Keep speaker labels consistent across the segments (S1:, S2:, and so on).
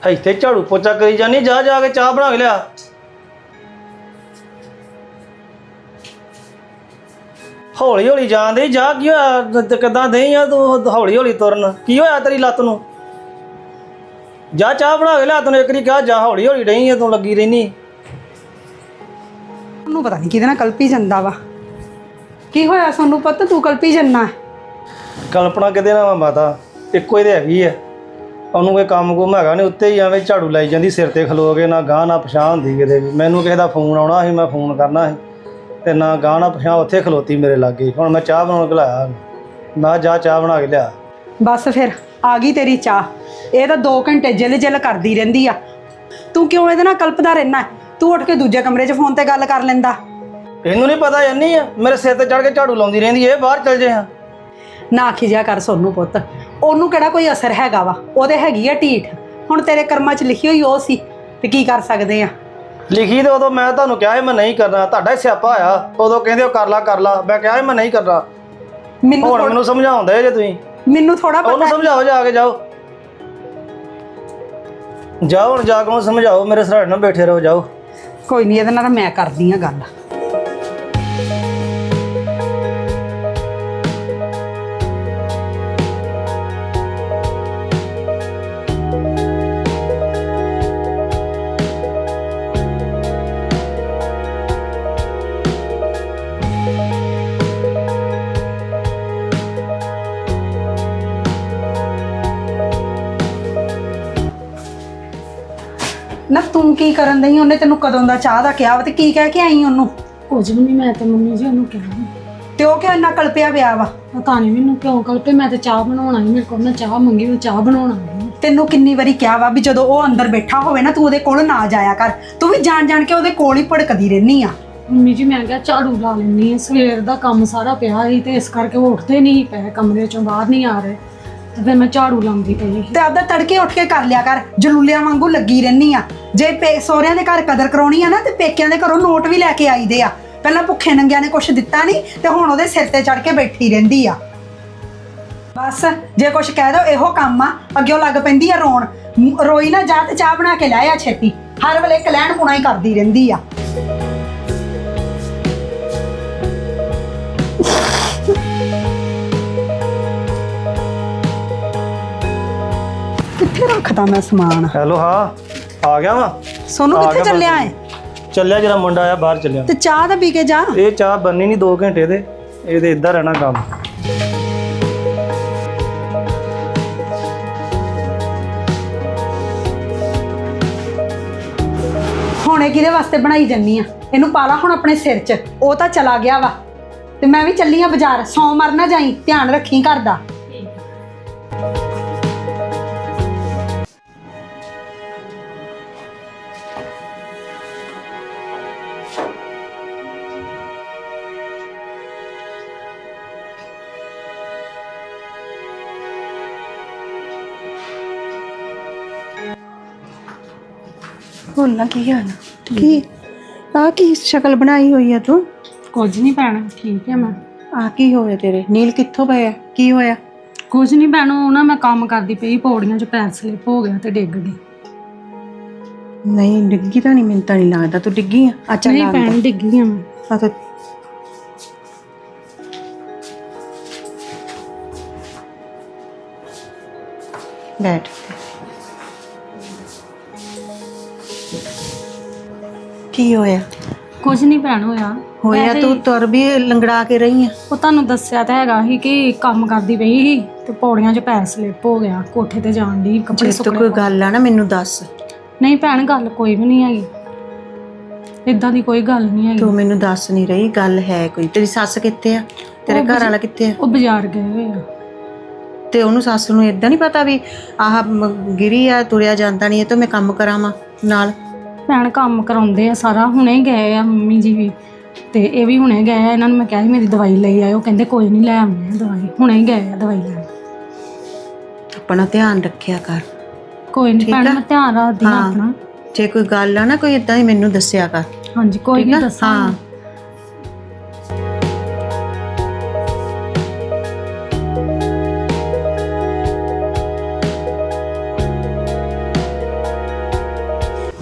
S1: ਇੱਥੇ ਝਾੜੂ ਪੋਚਾ ਕਰੀ ਜਾਨੀ, ਜਾ ਜਾ ਕੇ ਚਾਹ ਬਣਾ ਕੇ ਲਿਆ। ਹੌਲੀ ਹੌਲੀ ਜਾਣ ਦੇ, ਜਾ ਕੀ ਹੋਇਆ? ਕਿੱਦਾਂ ਦੇ ਆ ਤੂੰ ਹੌਲੀ ਹੌਲੀ ਤੁਰਨ? ਕੀ ਹੋਇਆ ਤੇਰੀ ਲੱਤ ਨੂੰ? ਜਾ ਚਾਹ ਬਣਾ ਕੇ ਲਿਆ, ਤੈਨੂੰ ਇੱਕ ਵਾਰੀ ਕਿਹਾ ਜਾ, ਹੌਲੀ ਹੌਲੀ ਡਈ ਆ ਤੂੰ, ਲੱਗੀ ਰਹਿਨੀ।
S2: ਉਹਨੂੰ ਪਤਾ ਨਹੀਂ ਕਿਹਦੇ ਨਾਲ ਕਲਪੀ ਜਾਂਦਾ ਵਾ। ਕੀ ਹੋਇਆ ਸੋਨੂੰ ਪੁੱਤ, ਤੂੰ ਕਲਪੀ ਜੰਨਾ?
S1: ਕਲਪਨਾ ਕਿਤੇ ਨਾ ਮਾਤਾ, ਇੱਕੋ ਹੀ ਤੇ ਹੈਗੀ ਆ। ਉਹਨੂੰ ਕੋਈ ਕੰਮ ਕੁਮ ਹੈਗਾ ਨਹੀਂ, ਉੱਤੇ ਹੀ ਐਵੇਂ ਝਾੜੂ ਲਾਈ ਜਾਂਦੀ ਸਿਰ ਤੇ ਖਲੋ ਕੇ, ਨਾ ਗਾਹ ਨਾ ਪਛਾਣ ਹੁੰਦੀ ਕਿਤੇ ਵੀ। ਮੈਨੂੰ ਕਿਸੇ ਦਾ ਫੋਨ ਆਉਣਾ ਸੀ, ਮੈਂ ਫੋਨ ਕਰਨਾ ਸੀ, ਤੇ ਨਾ ਗਾਹ ਨਾ ਪਛਾਣ, ਉੱਥੇ ਖਲੋਤੀ ਮੇਰੇ ਲਾਗੇ। ਹੁਣ ਮੈਂ ਚਾਹ ਬਣਾਉਣ ਘਲਾਇਆ, ਮੈਂ ਜਾ ਚਾਹ ਬਣਾ ਕੇ ਲਿਆ।
S2: ਬਸ ਫਿਰ ਆ ਗਈ ਤੇਰੀ ਚਾਹ। ਇਹ ਤਾਂ 2 ਘੰਟੇ ਜਿਲ ਜਿਲ ਕਰਦੀ ਰਹਿੰਦੀ ਆ। ਤੂੰ ਕਿਉਂ ਇਹਦੇ ਨਾਲ ਕਲਪਦਾ ਰਹਿਣਾ? ਤੂੰ ਉੱਠ ਕੇ ਦੂਜੇ ਕਮਰੇ 'ਚ ਫੋਨ ਤੇ ਗੱਲ ਕਰ ਲੈਂਦਾ।
S1: ਇਹਨੂੰ ਨਹੀਂ ਪਤਾ ਇੰਨੀ ਆ, ਮੇਰੇ ਸਿਰ ਤੇ ਚੜ ਕੇ ਝਾੜੂ ਲਾਉਂਦੀ ਰਹਿੰਦੀ, ਇਹ ਬਾਹਰ ਚਲ ਜੇ। ਹਾਂ
S2: ਨਾ ਖਿਜਿਆ ਕਰ ਸੋਨੂੰ ਪੁੱਤ, ਉਹਨੂੰ ਕਿਹੜਾ ਕੋਈ ਅਸਰ ਹੈਗਾ ਵਾ? ਉਹਦੇ ਹੈਗੀ ਆ ਢੀਠ। ਹੁਣ ਤੇਰੇ ਕਰਮਾਂ 'ਚ ਲਿਖੀ ਹੋਈ ਉਹ ਸੀ, ਤੇ ਕੀ ਕਰ ਸਕਦੇ ਆ?
S1: ਲਿਖੀ ਤੇ ਉਦੋਂ ਮੈਂ ਤੁਹਾਨੂੰ ਕਿਹਾ ਸੀ ਮੈਂ ਨਹੀਂ ਕਰਨਾ, ਤੁਹਾਡਾ ਹੀ ਸਿਆਪਾ ਹੋਇਆ। ਉਦੋਂ ਕਹਿੰਦੇ ਹੋ ਕਰ ਲਾ, ਮੈਂ ਕਿਹਾ ਸੀ ਮੈਂ ਨਹੀਂ ਕਰਨਾ। ਹੁਣ ਮੈਨੂੰ ਸਮਝਾਉਂਦੇ ਜੇ ਤੁਸੀਂ।
S2: ਮੈਨੂੰ ਥੋੜਾ ਪਤਾ।
S1: ਉਹਨੂੰ ਸਮਝਾਓ, ਜਾ ਕੇ ਜਾਓ, ਜਾਓ ਹੁਣ ਜਾ ਕੇ ਉਹਨੂੰ ਸਮਝਾਓ। ਮੇਰੇ ਸਰਾਣੇ ਨਾਲ ਬੈਠੇ ਰਹੋ, ਜਾਓ।
S2: ਕੋਈ ਨਹੀਂ, ਇਹਦੇ ਨਾਲ ਮੈਂ ਕਰਦੀ ਆ ਗੱਲ। ਨਾ ਤੂੰ ਕੀ ਕਰਨ ਦਈ? ਉਹਨੇ ਤੈਨੂੰ ਕਦੋਂ ਦਾ ਚਾਹ ਦਾ ਕਿਹਾ ਵਾ, ਤੇ ਕੀ ਕਹਿ ਕੇ ਆਈ ਉਹਨੂੰ?
S3: ਕੁਝ ਵੀ ਨਹੀਂ, ਮੈਂ ਤੇ ਮੰਮੀ ਜੀ ਉਹਨੂੰ ਕਿਹਾ।
S2: ਤੇ ਉਹ ਕਿਉਂ ਇੰਨਾ ਕਲਪਿਆ ਪਿਆ ਵਾ?
S3: ਪਤਾ ਨਹੀਂ ਮੈਨੂੰ ਕਿਉਂ ਕਲਪੇ। ਮੈਂ ਤੇ ਚਾਹ ਬਣਾਉਣਾ ਸੀ, ਮੇਰੇ ਕੋਲ ਨਾ ਚਾਹ ਮੰਗੀ, ਮੈਂ ਚਾਹ ਬਣਾਉਣਾ ਸੀ।
S2: ਤੈਨੂੰ ਕਿੰਨੀ ਵਾਰੀ ਕਿਹਾ ਵਾ ਵੀ ਜਦੋਂ ਉਹ ਅੰਦਰ ਬੈਠਾ ਹੋਵੇ ਨਾ, ਤੂੰ ਉਹਦੇ ਕੋਲ ਨਾ ਜਾਇਆ ਕਰ। ਤੂੰ ਵੀ ਜਾਣ ਜਾਣ ਕੇ ਉਹਦੇ ਕੋਲ ਹੀ ਭੜਕਦੀ ਰਹਿਨੀ ਆ।
S3: ਮੰਮੀ ਜੀ ਮੈਂ ਕਿਹਾ ਝਾੜੂ ਲਾ ਲੈਣੀ, ਸਵੇਰ ਦਾ ਕੰਮ ਸਾਰਾ ਪਿਆ ਸੀ, ਤੇ ਇਸ ਕਰਕੇ ਉਹ ਉੱਠਦੇ ਨਹੀਂ ਪਏ, ਕਮਰੇ ਚੋਂ ਬਾਹਰ ਨਹੀਂ ਆ ਰਹੇ, ਤੇ ਫਿਰ ਮੈਂ ਝਾੜੂ ਲਾਉਂਦੀ ਪਈ।
S2: ਤੇ ਆਪਦਾ ਤੜਕੇ ਉੱਠ ਕੇ ਕਰ ਲਿਆ ਕਰ, ਜਲੂਲਿਆਂ ਵਾਂਗੂ ਲੱਗੀ ਰਹਿਨੀ ਆ। ਜੇ ਸਹੁਰਿਆਂ ਦੇ ਘਰ ਕਦਰ ਕਰਾਉਣੀ ਆ ਨਾ, ਤੇ ਪੇਕਿਆਂ ਦੇ ਘਰੋਂ ਨੋਟ ਵੀ ਲੈ ਕੇ ਆਈਦੇ ਆ। ਪਹਿਲਾਂ ਭੁੱਖੇ ਨੰਗਿਆਂ ਨੇ ਕੁਛ ਦਿੱਤਾ ਨਹੀਂ, ਤੇ ਹੁਣ ਉਹਦੇ ਸਿਰ ਤੇ ਚੜ ਕੇ ਬੈਠੀ ਰਹਿੰਦੀ ਆ। ਬਸ ਜੇ ਕੁਛ ਕਹਿ ਦੋ ਇਹੋ ਕੰਮ ਆ, ਅੱਗੇ ਲੱਗ ਪੈਂਦੀ ਆ ਰੋਣ। ਰੋਈ ਨਾ ਜਾ, ਤੇ ਚਾਹ ਬਣਾ ਕੇ ਲੈ ਆ ਛੇਤੀ। ਹਰ ਵੇਲੇ ਕਲੈਣ ਪੁਣਾ ਹੀ ਕਰਦੀ ਰਹਿੰਦੀ ਆ। ਕਿੱਥੇ ਰੱਖਦਾ ਮੈਂ ਸਮਾਨ?
S1: ਹੈਲੋ, ਹਾਂ ਆ ਗਿਆ ਵਾ।
S2: ਸੋਨੂੰ ਕਿੱਥੇ ਚੱਲਿਆ ਏ?
S1: ਚੱਲਿਆ, ਜਿਹੜਾ ਮੁੰਡਾ ਆਇਆ ਬਾਹਰ ਚੱਲਿਆ।
S2: ਤੇ ਚਾਹ ਤਾਂ ਪੀ ਕੇ ਜਾ।
S1: ਇਹ ਚਾਹ ਬੰਨੀ ਨਹੀਂ 2 ਘੰਟੇ ਦੇ, ਇਹਦੇ ਇੱਦਾਂ ਰਹਿਣਾ ਕੰਮ।
S2: ਹੁਣ ਇਹ ਕਿਹਦੇ ਵਾਸਤੇ ਬਣਾਈ ਜੰਨੀ ਆ? ਇਹਨੂੰ ਪਾਲਾ ਹੁਣ ਆਪਣੇ ਸਿਰ 'ਚ। ਉਹ ਤਾਂ ਚਲਾ ਗਿਆ ਵਾ, ਤੇ ਮੈਂ ਵੀ ਚੱਲੀ ਆ ਬਾਜ਼ਾਰ। ਸੌ ਮਰ ਨਾ ਜਾਈ, ਧਿਆਨ ਰੱਖੀ ਘਰ ਦਾ।
S4: ਬੋਲਣਾ ਕੀ ਹਾਲ ਆ? ਕੀ ਆ ਕੀ ਸ਼ਕਲ ਬਣਾਈ ਹੋਈ ਆ ਤੂੰ?
S3: ਕੁਝ ਨਹੀਂ ਪੈਣਾ, ਠੀਕ ਹੈ ਮੈਂ।
S4: ਆ ਕੀ ਹੋਇਆ ਤੇਰੇ? ਨੀਲ ਕਿੱਥੋਂ ਪਏ ਆ? ਕੀ ਹੋਇਆ?
S3: ਕੁਝ ਨਹੀਂ ਪੈਣਾ, ਉਹ ਨਾ ਮੈਂ ਕੰਮ ਕਰਦੀ ਪਈ, ਪੌੜੀਆਂ 'ਚ ਪੈਰ ਸਲਿੱਪ ਹੋ ਗਿਆ ਤੇ ਡਿੱਗ ਗਈ।
S4: ਨਹੀਂ ਡਿੱਗੀ ਤਾਂ ਨਹੀਂ, ਮੈਨੂੰ ਤਾਂ ਨਹੀਂ ਲੱਗਦਾ ਤੂੰ ਡਿੱਗੀ ਆ। ਅੱਛਾ
S3: ਨਹੀਂ ਪੈਣ, ਡਿੱਗੀ ਆ ਮੈਂ।
S4: ਆ ਤਾਂ ਬੈਠ। ਕੀ ਹੋਇਆ?
S3: ਕੁਝ ਨਹੀਂ ਪੈਣ ਹੋਇਆ।
S4: ਹੋਇਆ ਤੂੰ ਤੁਰ ਵੀ ਲੰਗੜਾ ਕੇ ਰਹੀ ਆ।
S3: ਉਹ ਤੁਹਾਨੂੰ ਦੱਸਿਆ ਤਾਂ ਹੈਗਾ ਸੀ ਕਿ ਕੰਮ ਕਰਦੀ ਪਈ ਸੀ, ਤੇ ਪੌੜੀਆਂ 'ਚ ਪੈਰ ਸਲਿੱਪ ਹੋ ਗਿਆ, ਕੋਠੇ ਤੇ ਜਾਣ ਦੀ ਕੱਪੜੇ
S4: ਜੇ ਤੂੰ ਕੋਈ ਗੱਲ ਆ ਨਾ ਮੈਨੂੰ ਦੱਸ।
S3: ਨਹੀਂ ਭੈਣ, ਗੱਲ ਕੋਈ ਵੀ ਨਹੀਂ ਹੈਗੀ, ਇਦਾਂ ਦੀ ਕੋਈ ਗੱਲ ਨਹੀਂ ਹੈਗੀ।
S4: ਤੂੰ ਮੈਨੂੰ ਦੱਸ ਨਹੀਂ ਰਹੀ, ਗੱਲ ਹੈ ਕੋਈ? ਤੇਰੀ ਸੱਸ ਕਿੱਥੇ ਆ? ਤੇਰੇ ਘਰ ਵਾਲਾ ਕਿੱਥੇ ਆ?
S3: ਉਹ ਬਾਜ਼ਾਰ ਗਏ ਹੋਏ ਆ।
S4: ਤੇ ਉਹਨੂੰ ਸੱਸ ਨੂੰ ਇਦਾਂ ਨਹੀਂ ਪਤਾ ਵੀ ਆਹ ਗਿਰੀ ਆ, ਤੁਰਿਆ ਜਾਂਦਾ ਨਹੀਂ, ਇਹ ਤਾਂ ਮੈਂ ਕੰਮ ਕਰਾਵਾਂ ਨਾਲ?
S3: ਭੈਣ ਕੰਮ ਕਰਾਉਂਦੇ ਆ ਸਾਰਾ, ਹੁਣੇ ਗਏ ਆ ਮੰਮੀ ਜੀ ਵੀ, ਤੇ ਇਹ ਵੀ ਹੁਣੇ ਗਏ ਆ। ਇਹਨਾਂ ਨੂੰ ਮੈਂ ਕਿਹਾ ਸੀ ਮੇਰੀ ਦਵਾਈ ਲਈ ਆਇਓ, ਕਹਿੰਦੇ ਕੋਈ ਨਹੀਂ ਲੈ ਆਉਂਦੇ ਆ ਦਵਾਈ। ਹੁਣੇ ਗਏ ਆ ਦਵਾਈ ਲੈਣ।
S4: ਆਪਣਾ ਧਿਆਨ ਰੱਖਿਆ ਕਰ।
S3: ਕੋਈ ਨਹੀਂ ਭੈਣ, ਮੈਂ ਧਿਆਨ ਰੱਖਦੀ ਹਾਂ ਆਪਣਾ।
S4: ਜੇ ਕੋਈ ਗੱਲ ਆ ਨਾ ਕੋਈ ਇਦਾਂ ਹੀ ਮੈਨੂੰ ਦੱਸਿਆ ਕਰ।
S3: ਹਾਂਜੀ ਕੋਈ ਨਹੀਂ, ਦੱਸਾਂ।
S4: ਹਾਂ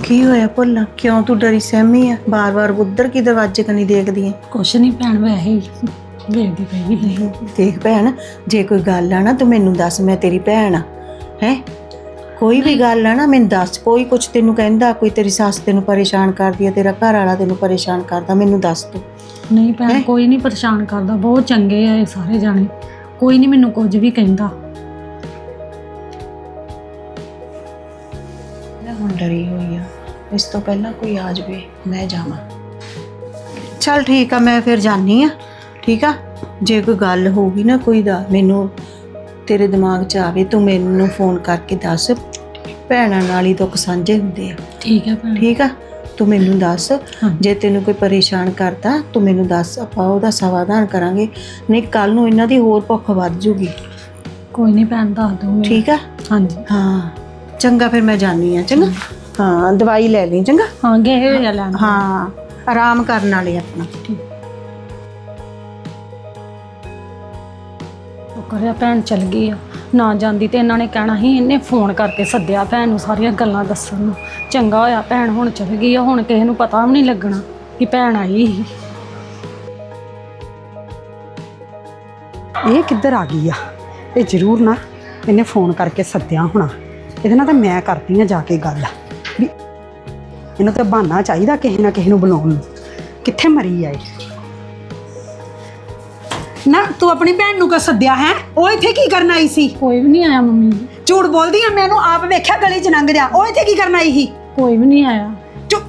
S4: ਕੀ ਹੋਇਆ ਭੁੱਲਾਂ? ਕਿਉਂ ਤੂੰ ਡਰੀ ਸਹਿਮੀ ਆ? ਬਾਰ-ਬਾਰ ਉੱਧਰ ਕੀ ਦਰਵਾਜ਼ੇ ਕਨੀ ਦੇਖਦੀ ਐ?
S3: ਕੁਛ ਨਹੀਂ ਭੈਣ, ਵੈਸੇ ਹੀ ਵੇਖਦੀ ਪਈ ਸੀ।
S4: ਦੇਖ ਭੈਣ, ਜੇ ਕੋਈ ਗੱਲ ਆ ਨਾ ਤੂੰ ਮੈਨੂੰ ਦੱਸ, ਮੈਂ ਤੇਰੀ ਭੈਣ ਆ ਹੈ। ਕੋਈ ਵੀ ਗੱਲ ਆ ਨਾ ਮੈਨੂੰ ਦੱਸ। ਕੋਈ ਕੁਛ ਤੈਨੂੰ ਕਹਿੰਦਾ, ਕੋਈ ਤੇਰੀ ਸੱਸ ਤੈਨੂੰ ਪਰੇਸ਼ਾਨ ਕਰਦੀ ਆ, ਤੇਰਾ ਘਰ ਵਾਲਾ ਤੈਨੂੰ ਪਰੇਸ਼ਾਨ ਕਰਦਾ, ਮੈਨੂੰ ਦੱਸ ਤੂੰ।
S3: ਨਹੀਂ ਭੈਣ, ਕੋਈ ਨਹੀਂ ਪਰੇਸ਼ਾਨ ਕਰਦਾ, ਬਹੁਤ ਚੰਗੇ ਆ ਇਹ ਸਾਰੇ ਜਾਣੇ, ਕੋਈ ਨਹੀਂ ਮੈਨੂੰ ਕੁਝ ਵੀ ਕਹਿੰਦਾ।
S4: ਮੈਂ ਹੁਣ ਡਰੀ ਹੋਈ ਆ, ਇਸ ਤੋਂ ਪਹਿਲਾਂ ਕੋਈ ਆ ਜਾਵੇ ਮੈਂ ਜਾਵਾਂ। ਚੱਲ ਠੀਕ ਆ, ਮੈਂ ਫਿਰ ਜਾਨੀ ਆ। ਠੀਕ ਆ, ਜੇ ਕੋਈ ਗੱਲ ਹੋਊਗੀ ਨਾ ਕੋਈ ਦਾ, ਮੈਨੂੰ ਤੇਰੇ ਦਿਮਾਗ 'ਚ ਆਵੇ ਤੂੰ ਮੈਨੂੰ ਫੋਨ ਕਰਕੇ ਦੱਸ। ਭੈਣਾਂ ਨਾਲ ਹੀ ਦੁੱਖ ਸਾਂਝੇ ਹੁੰਦੇ ਆ।
S3: ਠੀਕ ਹੈ ਭੈਣ।
S4: ਠੀਕ ਆ, ਤੂੰ ਮੈਨੂੰ ਦੱਸ। ਜੇ ਤੈਨੂੰ ਕੋਈ ਪਰੇਸ਼ਾਨ ਕਰਦਾ ਤੂੰ ਮੈਨੂੰ ਦੱਸ, ਆਪਾਂ ਉਹਦਾ ਸਮਾਧਾਨ ਕਰਾਂਗੇ। ਨਹੀਂ ਕੱਲ ਨੂੰ ਇਹਨਾਂ ਦੀ ਹੋਰ ਭੁੱਖ ਵੱਧ ਜੂਗੀ।
S3: ਕੋਈ ਨਹੀਂ ਭੈਣ, ਦੱਸ ਦੂੰਗੀ।
S4: ਠੀਕ ਆ?
S3: ਹਾਂਜੀ
S4: ਹਾਂ ਚੰਗਾ, ਫਿਰ ਮੈਂ ਜਾਨੀ ਆ। ਚੰਗਾ, ਹਾਂ ਦਵਾਈ ਲੈ ਲਈ। ਚੰਗਾ,
S3: ਹਾਂ ਗਏ ਹੋਏ ਆ ਲੈਣ।
S4: ਹਾਂ ਆਰਾਮ ਕਰਨ ਵਾਲੇ ਆਪਣਾ।
S3: ਕਰਿਆ ਭੈਣ ਚਲ ਗਈ ਆ, ਨਾ ਜਾਂਦੀ ਤੇ ਇਹਨਾਂ ਨੇ ਕਹਿਣਾ ਸੀ ਇਹਨੇ ਫੋਨ ਕਰਕੇ ਸੱਦਿਆ ਭੈਣ ਨੂੰ ਸਾਰੀਆਂ ਗੱਲਾਂ ਦੱਸਣ ਨੂੰ। ਚੰਗਾ ਹੋਇਆ ਭੈਣ ਹੁਣ ਚਲ ਗਈ ਆ, ਹੁਣ ਕਿਸੇ ਨੂੰ ਪਤਾ ਵੀ ਨਹੀਂ ਲੱਗਣਾ ਕਿ ਭੈਣ ਆਈ ਸੀ।
S2: ਇਹ ਕਿੱਧਰ ਆ ਗਈ ਆ? ਇਹ ਜ਼ਰੂਰ ਨਾ ਇਹਨੇ ਫੋਨ ਕਰਕੇ ਸੱਦਿਆ ਹੋਣਾ। ਇਹਦੇ ਨਾਲ ਤਾਂ ਮੈਂ ਕਰਦੀ ਆ ਜਾ ਕੇ ਗੱਲ ਵੀ ਇਹਨੂੰ ਤਾਂ ਬਹਾਨਾ ਚਾਹੀਦਾ ਕਿਸੇ ਨਾ ਕਿਸੇ ਨੂੰ ਬੁਲਾਉਣ ਨੂੰ। ਕਿੱਥੇ ਮਰੀ ਆ ਇਹ? ਨਾ ਤੂੰ ਆਪਣੀ ਭੈਣ ਨੂੰ ਕਿਉਂ ਸੱਦਿਆ ਹੈ? ਉਹ ਇੱਥੇ ਕੀ ਕਰਨ ਆਈ ਸੀ?
S3: ਕੋਈ ਵੀ ਨਹੀਂ ਆਇਆ ਮੰਮੀ ਜੀ।
S2: ਝੂਠ ਬੋਲਦੀ ਆ, ਮੈਨੂੰ ਆਪ ਵੇਖਿਆ ਗਲੀ 'ਚ ਲੰਘਦਿਆਂ। ਉਹ ਇੱਥੇ ਕੀ ਕਰਨ ਆਈ ਸੀ?
S3: ਕੋਈ ਵੀ ਨਹੀਂ ਆਇਆ।
S2: ਚੁੱਪ।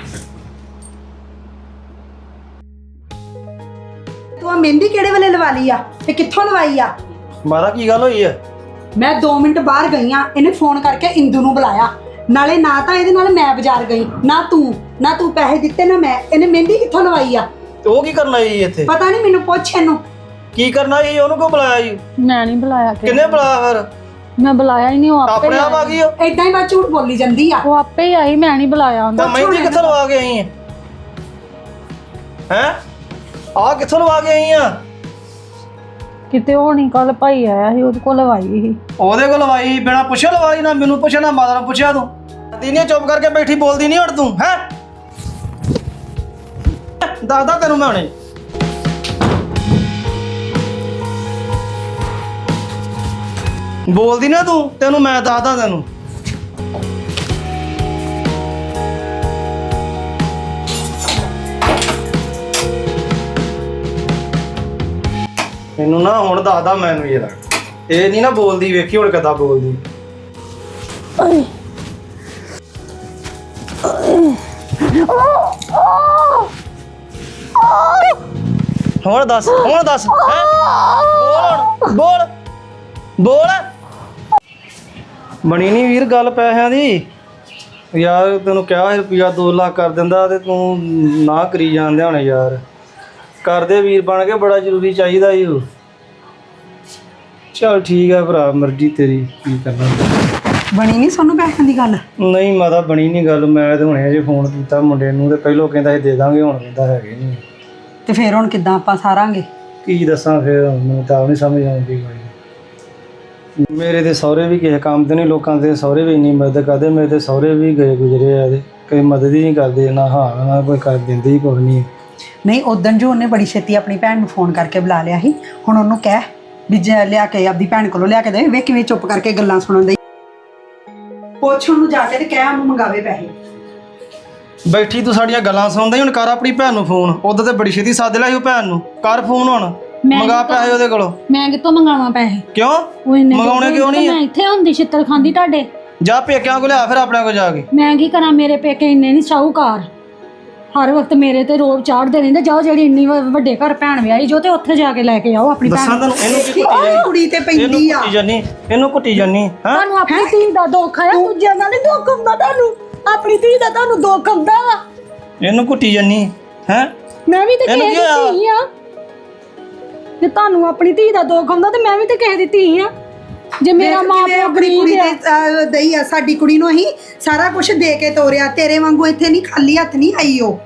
S2: ਤੂੰ ਆ ਮਹਿੰਦੀ ਕਿਹੜੇ ਵੇਲੇ ਲਵਾ ਲਈ ਆ ਤੇ ਕਿੱਥੋਂ ਲਵਾਈ ਆ?
S1: ਮਾਤਾ ਕੀ ਗੱਲ ਹੋਈ ਆ?
S2: ਮੈਂ 2 ਮਿੰਟ ਬਾਹਰ ਗਈ ਆ, ਇਹਨੇ ਫੋਨ ਕਰਕੇ ਇੰਦੂ ਨੂੰ ਬੁਲਾਇਆ। ਨਾਲੇ ਨਾ ਤਾਂ ਇਹਦੇ ਨਾਲ ਮੈਂ ਬਾਜ਼ਾਰ ਗਈ, ਨਾ ਤੂੰ ਪੈਸੇ ਦਿੱਤੇ ਨਾ ਮੈਂ। ਇਹਨੇ ਮਹਿੰਦੀ ਕਿੱਥੋਂ ਲਵਾਈ ਆ?
S1: ਤੇ ਉਹ ਕੀ ਕਰਨ ਆਈ ਇੱਥੇ?
S2: ਪਤਾ ਨਹੀਂ, ਮੈਨੂੰ ਪੁੱਛ ਇਹਨੂੰ।
S1: ਕੀ ਕਰਨਾ ਸੀ? ਉਹਨੂੰ ਕਿਉਂ ਬੁਲਾਇਆ ਜੀ?
S3: ਮੈਂ ਨਹੀਂ ਬੁਲਾਇਆ।
S1: ਕਿੰਨੇ ਬੁਲਾਇਆ ਫਿਰ?
S3: ਮੈਂ ਬੁਲਾਇਆ ਹੀ ਨਹੀਂ, ਉਹ ਆਪੇ
S1: ਆਪਣੇ ਆਪ ਆ ਗਈ ਉਹ?
S2: ਏਦਾਂ ਹੀ ਬਾਤ ਝੂਠ ਬੋਲੀ ਜਾਂਦੀ ਆ।
S3: ਉਹ ਆਪੇ ਹੀ ਆਈ, ਮੈਂ ਨਹੀਂ ਬੁਲਾਇਆ ਉਹਨੂੰ।
S1: ਤਾਂ ਮਹਿੰਦੀ ਕਿੱਥੋਂ ਲਵਾ ਕੇ ਆਈ ਹੈ? ਆ ਕਿੱਥੋਂ ਲਵਾ ਕੇ ਆਈ ਆ?
S3: ਕਿਤੇ ਉਹ ਨਹੀਂ, ਕੱਲ ਭਾਈ ਆਇਆ ਸੀ, ਉਹਦੇ ਕੋਲ ਲਵਾਈ ਸੀ।
S1: ਉਹਦੇ ਕੋਲ ਲਵਾਈ? ਬਿਨਾ ਪੁੱਛੇ ਲਵਾਈ? ਨਾ ਮੈਨੂੰ ਪੁੱਛਿਆ ਨਾ ਮਾਤਾ ਨੂੰ ਪੁੱਛਿਆ। ਤੂੰ ਦੀਨੇ ਚੁੱਪ ਕਰਕੇ ਬੈਠੀ, ਬੋਲਦੀ ਨਹੀਂ ਹੁਣ ਤੂੰ ਹੈ? ਦੱਸਦਾ ਤੈਨੂੰ ਮੈਂ ਹੁਣੇ। ਬੋਲਦੀ ਨਾ ਤੂੰ, ਤੈਨੂੰ ਮੈਂ ਦੱਸਦਾ ਤੈਨੂੰ। ਮੈਨੂੰ ਨਾ ਹੁਣ ਦੱਸਦਾ ਮੈਨੂੰ ਯਾਰ, ਇਹ ਨਹੀਂ ਨਾ ਬੋਲਦੀ। ਵੇਖੀ ਹੁਣ ਕਿੱਦਾਂ ਬੋਲਦੀ। ਹੁਣ ਦੱਸ ਹੈਂ? ਬੋਲ ਬੋਲ। ਬਣੀ ਨਹੀਂ ਵੀਰ ਗੱਲ ਪੈਸਿਆਂ ਦੀ। ਯਾਰ ਤੈਨੂੰ ਕਿਹਾ ਰੁਪਿਆ 2 ਲੱਖ ਕਰ ਦਿੰਦਾ ਤੇ ਤੂੰ ਨਾ ਕਰੀ ਜਾਂਦੇ ਹੁਣ ਯਾਰ। ਕਰਦੇ ਵੀਰ ਬਣ ਕੇ, ਬੜਾ ਜ਼ਰੂਰੀ ਚਾਹੀਦਾ ਈ ਉਹ। ਚੱਲ ਠੀਕ ਆ ਭਰਾ, ਮਰਜ਼ੀ ਤੇਰੀ, ਕੀ ਕਰਨਾ।
S2: ਬਣੀ ਨਹੀਂ ਸੋਨੂੰ ਪੈਸਿਆਂ ਦੀ ਗੱਲ?
S1: ਨਹੀਂ ਮਾਤਾ ਬਣੀ ਨਹੀਂ ਗੱਲ। ਮੈਂ ਤੇ ਹੁਣੇ ਜੇ ਫੋਨ ਕੀਤਾ ਮੁੰਡੇ ਨੂੰ, ਤੇ ਪਹਿਲੋਂ ਕਹਿੰਦਾ ਸੀ ਦੇ ਦਾਂਗੇ, ਹੁਣ ਕਹਿੰਦਾ ਹੈਗੇ ਨਹੀਂ।
S2: ਤੇ ਫਿਰ ਹੁਣ ਕਿੱਦਾਂ ਆਪਾਂ ਸਾਰਾਂਗੇ?
S1: ਕੀ ਦੱਸਾਂ ਫਿਰ, ਮੈਨੂੰ ਤਾਂ ਨਹੀਂ ਸਮਝ ਆਉਂਦੀ ਕੋਈ। ਮੇਰੇ ਤੇ ਸਹੁਰੇ ਵੀ ਕਿਸੇ ਕੰਮ ਦੇ ਨਹੀਂ, ਲੋਕਾਂ ਦੇ ਸਹੁਰੇ ਵੀ ਇੰਨੀ ਮਦਦ ਕਰਦੇ। ਮੇਰੇ ਤੇ ਸਹੁਰੇ ਵੀ ਗਏ ਗੁਜ਼ਰੇ ਆ ਤੇ ਕੋਈ ਮਦਦ ਹੀ ਨਹੀਂ ਕਰਦੇ, ਨਾ ਹਾਂ ਨਾ ਕੋਈ ਕਰ ਦਿੰਦੇ ਹੀ ਕੁਛ ਨਹੀਂ।
S2: ਨਹੀਂ, ਉਦਣ ਜੋ ਉਹਨੇ ਬੜੀ ਛੇਤੀ ਆਪਣੀ ਭੈਣ ਨੂੰ ਫੋਨ ਕਰਕੇ ਬੁਲਾ ਲਿਆ ਸੀ। ਹੁਣ ਉਹਨੂੰ ਕਹਿ ਵੀ ਜੇ ਲਿਆ ਕੇ ਆਪਦੀ ਭੈਣ ਕੋਲੋਂ ਲਿਆ ਕੇ ਦੇ। ਵੇ ਕਿਵੇਂ ਚੁੱਪ ਕਰਕੇ ਗੱਲਾਂ ਸੁਣਨ ਦੇ। ਪੁੱਛ ਉਹਨੂੰ ਜਾ ਕੇ ਤੇ ਕਹਿ ਉਹਨੂੰ ਮੰਗਾਵੇ ਪੈਸੇ।
S1: ਬੈਠੀ ਤੂੰ ਸਾਡੀਆਂ ਗੱਲਾਂ ਸੁਣਦਾ ਹੀ। ਹੁਣ ਕਰ ਆਪਣੀ ਭੈਣ ਨੂੰ ਫੋਨ। ਉਦੋਂ ਤੇ ਬੜੀ ਛੇਤੀ ਸੱਦ ਲਿਆ ਸੀ ਉਹ ਭੈਣ ਨੂੰ। ਕਰ ਫੋਨ ਹੁਣ, ਮੰਗਾ ਪੈਸੇ ਉਹਦੇ ਕੋਲੋਂ।
S3: ਮੈਂ ਕਿੱਥੋਂ ਮੰਗਾਵਾਂ ਪੈਸੇ?
S1: ਕਿਉਂ ਮੰਗਾਉਣੇ ਕਿਉਂ ਨਹੀਂ?
S3: ਮੈਂ ਇੱਥੇ ਹੁੰਦੀ ਛਿੱਤਰ ਖਾਂਦੀ ਤੁਹਾਡੇ।
S1: ਜਾ ਪੇਕਿਆਂ ਕੋਲ ਲਿਆ ਫਿਰ ਆਪਣੇ ਕੋਲ ਜਾ ਕੇ।
S3: ਮੈਂ ਕੀ ਕਰਾਂ, ਮੇਰੇ ਪੇਕੇ ਇੰਨੇ ਨਹੀਂ ਸ਼ਾਹੂਕਾਰ, ਹਰ ਵਕਤ ਮੇਰੇ ਤੇ ਰੋਬ ਚਾੜਦੇ ਰਹਿੰਦੇ। ਜਾਓ ਜਿਹੜੀ ਇੰਨੀ ਵੱਡੇ ਘਰ ਭੈਣ ਵਿਆਹੀ ਜੋ, ਤੇ ਉੱਥੇ ਜਾ ਕੇ ਲੈ ਕੇ ਆਓ ਆਪਣੀ
S1: ਦੱਸਾਂ
S3: ਭੈਣ।
S1: ਤੈਨੂੰ ਇਹਨੂੰ ਕੀ
S2: ਕੁੜੀ ਤੇ ਪੈਂਦੀ ਆ।
S1: ਇਹਨੂੰ ਕੁੱਟੀ ਜਾਨੀ ਹੈ।
S3: ਤੁਹਾਨੂੰ ਆਪਣੀ ਧੀ ਦਾ ਦੁੱਖ ਆਇਆ, ਦੂਜਿਆਂ ਦਾ ਨਹੀਂ ਦੁੱਖ ਹੁੰਦਾ ਤੁਹਾਨੂੰ। ਆਪਣੀ ਧੀ ਦਾ ਤੁਹਾਨੂੰ ਦੁੱਖ ਹੁੰਦਾ ਵਾ।
S1: ਇਹਨੂੰ ਕੁੱਟੀ ਜਾਨੀ ਹੈ।
S3: ਮੈਂ ਵੀ ਤੇ ਕਿਸੇ ਦੀ ਧੀ ਆ। ਜੇ ਤੁਹਾਨੂੰ ਆਪਣੀ ਧੀ ਦਾ ਦੁੱਖ ਹੁੰਦਾ ਤੇ ਮੈਂ ਵੀ ਤੇ ਕਿਸੇ ਦੀ ਧੀ ਆ। ਜੇ ਮੇਰਾ ਮਾਂ ਪਿਓ
S2: ਆਪਣੀ ਕੁੜੀ ਦੇ ਦਈ ਆ, ਸਾਡੀ ਕੁੜੀ ਨੂੰ ਅਸੀਂ ਸਾਰਾ ਕੁਝ ਦੇ ਕੇ ਤੋਰਿਆ। ਤੇਰੇ ਵਾਂਗੂ ਇੱਥੇ ਨਹੀਂ ਖਾਲੀ ਹੱਥ ਨਹੀਂ ਆਈ ਉਹ।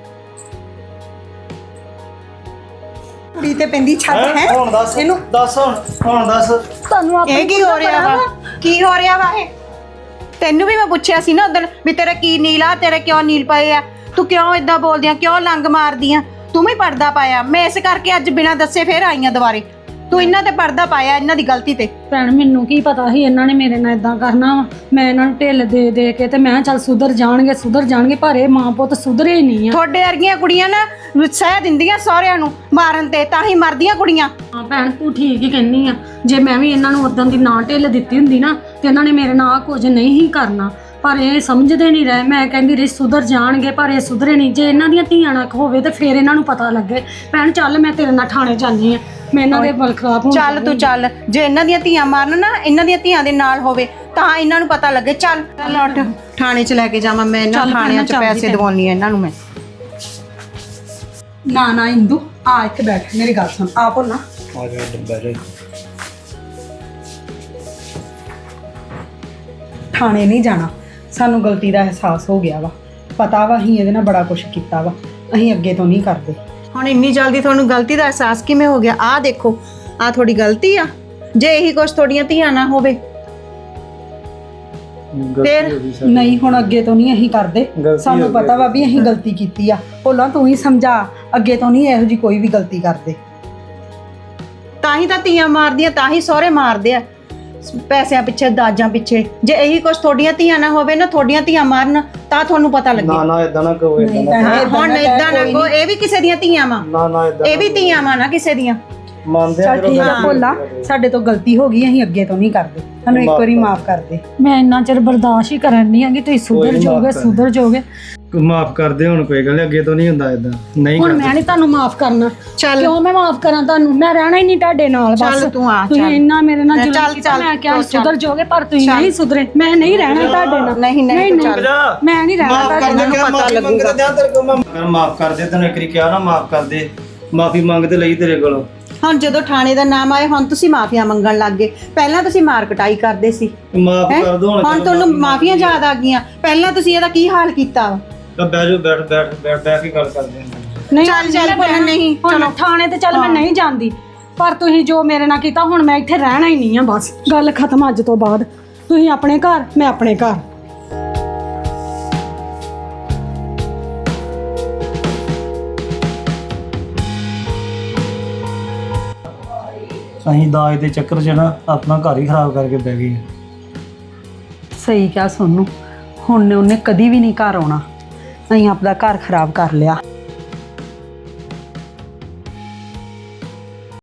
S2: ਕੁੜੀ ਤੇ ਪੈਂਦੀ ਛੱਤ ਹੈ।
S1: ਹੁਣ ਦੱਸ
S2: ਇਹਨੂੰ
S1: ਹੁਣ ਦੱਸ
S3: ਤੁਹਾਨੂੰ ਆਪਣੀ
S4: ਇਹ ਕੀ ਹੋ ਰਿਹਾ ਵਾ? ਕੀ ਹੋ ਰਿਹਾ ਵਾ? ਤੈਨੂੰ ਵੀ ਮੈਂ ਪੁੱਛਿਆ ਸੀ ਨਾ ਉਦੋਂ ਵੀ ਤੇਰਾ ਕੀ ਨੀਲ ਆ, ਤੇਰੇ ਕਿਉਂ ਨੀਲ ਪਏ ਆ, ਤੂੰ ਕਿਉਂ ਇਦਾਂ ਬੋਲਦੀ ਆ, ਕਿਉਂ ਲੰਗ ਮਾਰਦੀ ਆ, ਤੂੰ ਵੀ ਪਰਦਾ ਪਾਇਆ। ਮੈਂ ਇਸ ਕਰਕੇ ਅੱਜ ਬਿਨਾਂ ਦੱਸੇ ਫੇਰ ਆਈਆਂ ਦੁਬਾਰੇ। ਤੂੰ ਇਹਨਾਂ ਤੇ ਪਰਦਾ ਪਾਇਆ, ਇਹਨਾਂ ਦੀ ਗਲਤੀ ਤੇ।
S3: ਭੈਣ ਮੈਨੂੰ ਕੀ ਪਤਾ ਸੀ ਇਹਨਾਂ ਨੇ ਮੇਰੇ ਨਾਲ ਇਦਾਂ ਕਰਨਾ ਵਾ। ਮੈਂ ਇਹਨਾਂ ਨੂੰ ਢਿੱਲ ਦੇ ਦੇ ਕੇ ਤੇ ਮੈਂ ਕਿਹਾ ਚੱਲ ਸੁਧਰ ਜਾਣਗੇ ਪਰ ਇਹ ਮਾਂ ਪੁੱਤ ਸੁਧਰੇ ਹੀ ਨਹੀਂ ਆ।
S4: ਤੁਹਾਡੇ ਵਰਗੀਆਂ ਕੁੜੀਆਂ ਨਾ ਸਹਿ ਦਿੰਦੀਆਂ ਸਹੁਰਿਆਂ ਨੂੰ ਮਾਰਨ ਤੇ, ਤਾਂ ਹੀ ਮਰਦੀਆਂ ਕੁੜੀਆਂ।
S3: ਹਾਂ ਭੈਣ ਤੂੰ ਠੀਕ ਹੀ ਕਹਿੰਨੀ ਆ। ਜੇ ਮੈਂ ਵੀ ਇਹਨਾਂ ਨੂੰ ਉਦੋਂ ਦੀ ਨਾ ਢਿੱਲ ਦਿੱਤੀ ਹੁੰਦੀ ਨਾ ਤੇ ਇਹਨਾਂ ਨੇ ਮੇਰੇ ਨਾਲ ਕੁਝ ਨਹੀਂ ਹੀ ਕਰਨਾ, ਪਰ ਇਹ ਸਮਝਦੇ ਨਹੀਂ ਰਹੇ। ਮੈਂ ਕਹਿੰਦੀ ਰਹੀ ਸੁਧਰ ਜਾਣਗੇ ਪਰ ਇਹ ਸੁਧਰੇ ਨਹੀਂ। ਜੇ ਇਹਨਾਂ ਦੀਆਂ ਧੀਆਂ ਨਾ ਹੋਵੇ ਤੇ ਫਿਰ ਇਹਨਾਂ ਨੂੰ ਪਤਾ ਲੱਗੇ। ਭੈਣ ਚੱਲ ਮੈਂ ਤੇਰੇ ਨਾਲ ਥਾਣੇ ਜਾਂਦੀ ਆ, ਮੈਂ ਇਹਨਾਂ ਦੇ ਬਲ ਖਰਾਬ ਹੋਣ।
S4: ਚੱਲ ਤੂੰ ਚੱਲ, ਜੇ ਇਹਨਾਂ ਦੀਆਂ ਧੀਆਂ ਮਾਰਨ ਨਾ, ਇਹਨਾਂ ਦੀਆਂ ਧੀਆਂ ਦੇ ਨਾਲ ਹੋਵੇ ਤਾਂ ਇਹਨਾਂ ਨੂੰ ਪਤਾ ਲੱਗੇ। ਚੱਲ ਉੱਠ, ਥਾਣੇ 'ਚ ਲੈ ਕੇ ਜਾਵਾਂ ਮੈਂ ਇਹਨਾਂ ਨੂੰ। ਥਾਣਿਆਂ 'ਚ ਪੈਸੇ ਦਿਵਾਉਣੀ ਆ ਇਹਨਾਂ ਨੂੰ ਮੈਂ।
S2: ਨਾ ਇੰਦੂ ਆ ਇੱਥੇ ਬੈਠ, ਮੇਰੀ ਗੱਲ ਸੁਣ। ਆ ਭੋਲਾ
S1: ਆ ਜਾ ਡੱਬਾ ਜਾ।
S2: ਥਾਣੇ ਨਹੀਂ ਜਾਣਾ, ਸਾਨੂੰ ਗਲਤੀ ਦਾ ਅਹਿਸਾਸ ਹੋ ਗਿਆ ਵਾ। ਪਤਾ ਵਾ ਅਸੀਂ ਇਹਦੇ ਨਾਲ ਬੜਾ ਕੁਝ ਕੀਤਾ ਵਾ, ਅਸੀਂ ਅੱਗੇ ਤੋਂ ਨਹੀਂ ਕਰਦੇ।
S4: ਹੁਣ ਇੰਨੀ ਜਲਦੀ ਤੁਹਾਨੂੰ ਗਲਤੀ ਦਾ ਅਹਿਸਾਸ ਕਿਵੇਂ ਹੋ ਗਿਆ? ਆਹ ਦੇਖੋ, ਆਹ ਤੁਹਾਡੀ ਗਲਤੀ ਆ। ਜੇ ਇਹੀ ਕੁਛ ਤੁਹਾਡੀਆਂ ਧੀਆਂ ਨਾ ਹੋਵੇ ਫਿਰ
S2: ਨਹੀਂ, ਹੁਣ ਅੱਗੇ ਤੋਂ ਨਹੀਂ ਅਸੀਂ ਕਰਦੇ। ਸਾਨੂੰ ਪਤਾ ਵਾ ਵੀ ਅਸੀਂ ਗਲਤੀ ਕੀਤੀ ਆ। ਭੋਲਾ ਤੂੰ ਹੀ ਸਮਝਾ, ਅੱਗੇ ਤੋਂ ਨਹੀਂ ਇਹੋ ਜੀ ਕੋਈ ਵੀ ਗਲਤੀ ਕਰਦੇ।
S4: ਤਾਂ ਹੀ ਤਾਂ ਧੀਆਂ ਮਾਰਦੀਆਂ, ਤਾਂ ਹੀ ਸਹੁਰੇ ਮਾਰਦੇ ਆ, ਪੈਸਿਆਂ ਪਿੱਛੇ, ਦਾਜਾਂ ਪਿੱਛੇ। ਜੇ ਇਹੀ ਕੁਛ ਤੁਹਾਡੀਆਂ ਧੀਆਂ ਨਾ ਹੋਵੇ ਨਾ, ਤੁਹਾਡੀਆਂ ਧੀਆਂ ਮਾਰਨ, ਤਾਂ ਤੁਹਾਨੂੰ ਪਤਾ ਲੱਗੇ।
S1: ਨਾ ਇਦਾਂ ਨਾ ਕਹੋ, ਇਦਾਂ ਨਾ
S4: ਹਾਂ, ਹੁਣ ਇਦਾਂ ਨਾ ਕਹੋ, ਇਹ ਵੀ ਕਿਸੇ ਦੀਆਂ ਧੀਆਂ ਵਾ।
S1: ਨਾ ਇਦਾਂ
S4: ਇਹ ਵੀ ਧੀਆਂ ਵਾ ਨਾ ਕਿਸੇ ਦੀਆਂ।
S1: ਮੰਨਦੇ ਆ।
S2: ਚੱਲ ਠੀਕ ਆ ਭੋਲਾ, ਸਾਡੇ ਤੋਂ ਗਲਤੀ ਹੋ ਗਈ, ਅਸੀਂ ਅੱਗੇ ਤੋਂ ਨਹੀਂ ਕਰਦੇ। ਸਾਨੂੰ ਇੱਕ ਵਾਰੀ ਮਾਫ ਕਰ ਦੇ।
S3: ਮੈਂ ਇੰਨਾ ਚਿਰ ਬਰਦਾਸ਼ਤ ਹੀ ਕਰਨ ਨਹੀਂ ਆਂਗੀ। ਤੁਸੀਂ ਸੁਧਰ ਜਾਓਗੇ।
S1: ਮਾਫ ਕਰਦੇ ਹੁਣ, ਕੋਈ ਗੱਲ ਨੀ, ਅੱਗੇ ਤੋਂ ਨਹੀਂ ਹੁੰਦਾ ਇਦਾਂ। ਨਹੀਂ
S3: ਹੁਣ ਮੈਂ ਨਹੀਂ ਤੁਹਾਨੂੰ ਮਾਫ ਕਰਨਾ।
S4: ਚੱਲ
S3: ਕਿਉਂ ਮੈਂ ਮਾਫ ਕਰਾਂ ਤੁਹਾਨੂੰ? ਮੈਂ ਰਹਿਣਾ ਹੀ ਨਹੀਂ ਤੁਹਾਡੇ ਨਾਲ। ਬਸ
S4: ਚੱਲ ਤੂੰ ਆ,
S3: ਤੁਸੀਂ
S4: ਚੱਲ।
S3: ਇੰਨਾ ਮੇਰੇ ਨਾਲ ਜ਼ੁਲਮ
S4: ਚੱਲ,
S3: ਕੀਤਾ।
S4: ਚੱਲ,
S3: ਮੈਂ ਕਿਹਾ
S4: ਚੱਲ।
S3: ਸੁਧਰ ਜਾਓਗੇ ਪਰ ਤੁਸੀਂ ਨਹੀਂ ਸੁਧਰੇ। ਮੈਂ ਨਹੀਂ ਰਹਿਣਾ ਤੁਹਾਡੇ ਨਾਲ।
S4: ਨਹੀਂ ਚੱਲ।
S3: ਮੈਂ ਨਹੀਂ ਰਹਿਣਾ ਤੁਹਾਡੇ ਨਾਲ।
S1: ਪਤਾ ਲੱਗੂਗਾ। ਮਾਫ ਕਰ ਦੇ, ਤੈਨੂੰ ਇੱਕ ਵਾਰੀ ਕਿਹਾ ਨਾ ਮਾਫ ਕਰ ਦੇ। ਮਾਫੀ ਮੰਗਦੇ ਲਈ ਤੇਰੇ ਕੋਲੋਂ।
S4: ਹੁਣ ਜਦੋਂ ਥਾਣੇ ਦਾ ਨਾਮ ਆਇਆ, ਹੁਣ ਤੁਸੀਂ ਮਾਫੀਆਂ ਮੰਗਣ ਲੱਗ ਗਏ। ਪਹਿਲਾਂ ਤੁਸੀਂ ਮਾਰ ਕਟਾਈ ਕਰਦੇ ਸੀ,
S1: ਮਾਫ ਕਰ ਦੋ
S4: ਹੁਣ ਤੁਹਾਨੂੰ ਮਾਫੀਆਂ ਯਾਦ ਆ ਗਈਆਂ। ਪਹਿਲਾਂ ਤੁਸੀਂ ਇਹਦਾ ਕੀ ਹਾਲ ਕੀਤਾ ਵਾ?
S1: ਬਹਿ ਜਾਓ, ਬੈਠ ਕੇ ਗੱਲ ਕਰਦੇ ਹਾਂ।
S3: ਨਹੀਂ
S4: ਚੱਲ ਭੋਲਾ, ਨਹੀਂ
S3: ਚਲੋ ਥਾਣੇ ਤੇ ਚੱਲ। ਮੈਂ ਨਹੀਂ ਜਾਂਦੀ, ਪਰ ਤੁਸੀਂ ਜੋ ਮੇਰੇ ਨਾਲ ਕੀਤਾ, ਹੁਣ ਮੈਂ ਇੱਥੇ ਰਹਿਣਾ ਹੀ ਨਹੀਂ ਆ। ਬਸ ਗੱਲ ਖਤਮ ਅੱਜ ਤੋਂ ਬਾਅਦ। ਤੁਸੀਂ ਆਪਣੇ ਘਰ, ਮੈਂ ਆਪਣੇ ਘਰ।
S1: ਅਸੀਂ ਦਾਜ ਦੇ ਚੱਕਰ 'ਚ ਨਾ ਆਪਣਾ ਘਰ ਹੀ ਖਰਾਬ ਕਰਕੇ ਬਹਿ ਗਏ।
S2: ਸਹੀ ਕਿਹਾ ਸੋਨੂੰ, ਹੁਣ ਉਹਨੇ ਕਦੀ ਵੀ ਨਹੀਂ ਘਰ ਆਉਣਾ। ਅਸੀਂ ਆਪਦਾ ਘਰ ਖਰਾਬ ਕਰ ਲਿਆ।